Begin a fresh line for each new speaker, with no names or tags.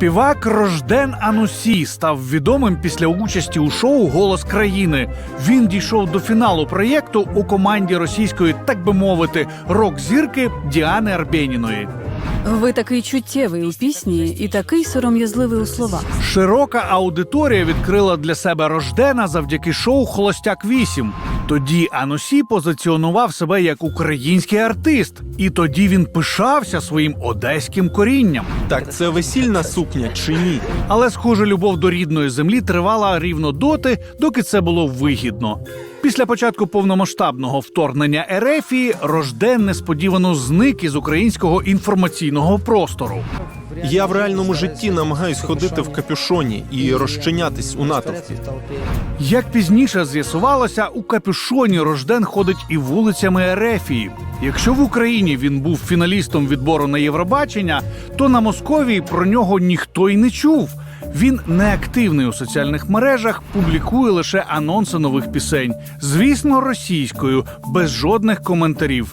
Співак Рожден Анусі став відомим після участі у шоу «Голос країни». Він дійшов до фіналу проєкту у команді російської, так би мовити, рок-зірки Діани Арбєніної.
Ви такий чуттєвий у пісні і такий сором'язливий у словах.
Широка аудиторія відкрила для себе Рождена завдяки шоу «Холостяк-8». Тоді Анусі позиціонував себе як український артист. І тоді він пишався своїм одеським корінням.
Так це весільна сукня чи ні?
Але, схоже, любов до рідної землі тривала рівно доти, доки це було вигідно. Після початку повномасштабного вторгнення Ерефії Рожден несподівано зник із українського інформаційного простору.
Я в реальному житті намагаюсь ходити в капюшоні і розчинятись у натовпі.
Як пізніше з'ясувалося, у капюшоні Рожден ходить і вулицями Ерефії. Якщо в Україні він був фіналістом відбору на Євробачення, то на Московії про нього ніхто й не чув. Він неактивний у соціальних мережах, публікує лише анонси нових пісень. Звісно, російською, без жодних коментарів.